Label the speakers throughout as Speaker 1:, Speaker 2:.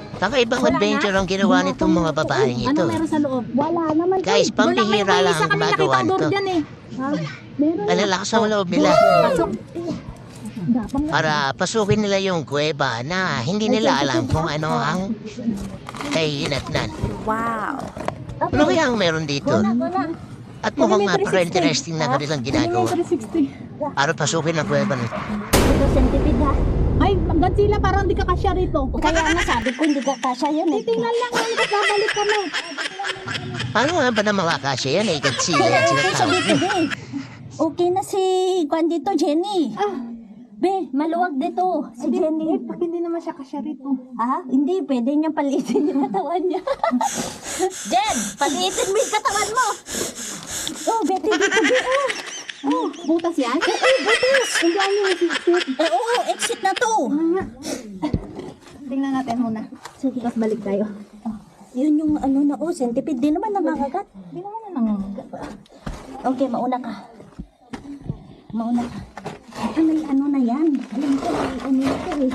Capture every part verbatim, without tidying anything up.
Speaker 1: Kakaibang adventure ang ginawa nitong mga babaeng
Speaker 2: Ano
Speaker 1: ito.
Speaker 2: meron sa loob?
Speaker 3: Wala naman.
Speaker 1: Guys, pambihira lang ang gumagawa nito.
Speaker 2: dyan eh.
Speaker 3: Ha? Meron.
Speaker 1: Ang lalakas ang loob nila.
Speaker 2: Pasok.
Speaker 3: Gapang nga.
Speaker 1: Para pasukin nila yung kuweba na hindi nila alam kung ano ang kahinatnan.
Speaker 2: Wow.
Speaker 1: Ano kaya ang meron dito? At mukhang napaka-interesting na kanilang ginagawa.
Speaker 2: three sixty.
Speaker 1: Para pasukin ang kuweba nito.
Speaker 3: Ito centipede ha.
Speaker 2: Ay, Godzilla, parang di ka kasya rito.
Speaker 3: Kaya nga sabi ko hindi ka kasya yan eh.
Speaker 2: Tingnan lang yan, babalik kami.
Speaker 1: Paano nga ba na mga kasya yan? Eh, Godzilla yan sila
Speaker 3: Okay,
Speaker 1: tawag
Speaker 3: sabi ko,
Speaker 1: niyo.
Speaker 3: be. Okay na si Kwan dito, Jenny.
Speaker 2: Ah,
Speaker 3: Be, maluwag dito. Si
Speaker 2: hindi,
Speaker 3: Jenny.
Speaker 2: eh, pag hindi naman siya kasya rito.
Speaker 3: Ha? Hindi, pwede niyang palitin yung katawan niya. Jen, palitin mo yung katawan mo. Oh, Betty, dito, be. Oh.
Speaker 2: Oh, butas yan?
Speaker 3: Eh, eh, butis.
Speaker 2: Hindi ano yung exit.
Speaker 3: Eh, oo, exit na to.
Speaker 2: Tingnan natin muna.
Speaker 3: Sige.
Speaker 2: Tapos balik tayo.
Speaker 3: Oh, yun yung ano na, oh, centipede. Di naman nangangagat.
Speaker 2: Hindi naman na nangangagat.
Speaker 3: Okay, mauna ka. Mauna ka. Ano, ano na yan? Alam ko, may ano ito eh.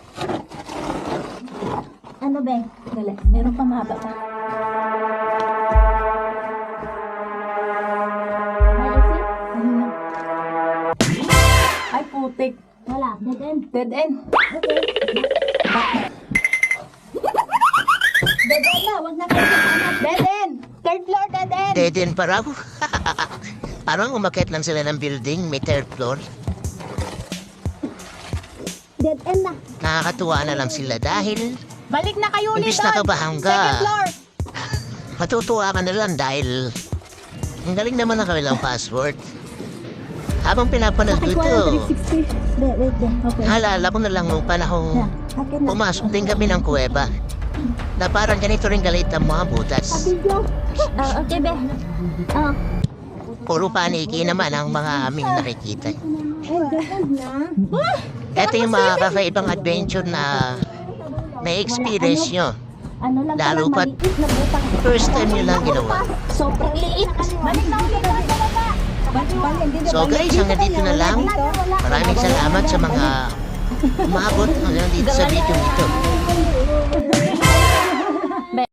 Speaker 3: Ano, be?
Speaker 2: Dali, meron pa mahaba pa.
Speaker 3: Maiksi?
Speaker 2: Ayun na. Ay, putik.
Speaker 3: Wala, dead end.
Speaker 2: Dead end.
Speaker 3: Okay. Dead end na, wag na kayo hanap.
Speaker 2: Dead end! Third floor, dead end!
Speaker 1: Dead end pa raw. Parang umakit lang sila ng building, may third floor.
Speaker 3: Dead end na.
Speaker 1: Nakakatuwa na lang sila dahil
Speaker 2: Balik na kayo ulit
Speaker 1: Imbis
Speaker 2: doon!
Speaker 1: nakabahan ka.
Speaker 2: Second floor!
Speaker 1: matutuwa ka na lang dahil ang galing naman ng kanilang password. Habang pinapanood ko ito,
Speaker 3: sixty. Wait, wait, wait. Okay.
Speaker 1: naalala ko na lang nung panahong
Speaker 3: Yeah, akin na.
Speaker 1: pumasok din kami ng kuweba na parang ganito rin galit ang mga butas.
Speaker 3: Video. Ah, okay, be. Ah.
Speaker 1: Puro paniki naman ang mga aming nakikita.
Speaker 3: Ay, ganun na.
Speaker 1: Ito yung mga kakaibang adventure na na-experience nyo.
Speaker 3: Ano lang
Speaker 1: Lalo
Speaker 3: pala,
Speaker 1: pat
Speaker 3: maliit na butang.
Speaker 1: first time nyo lang ginawa.
Speaker 3: Sobrang liit.
Speaker 2: Balik na ulit doon sa baba!
Speaker 1: So guys, hanggang dito na lang. Maraming salamat sa mga umabot hanggang dito sa video ito.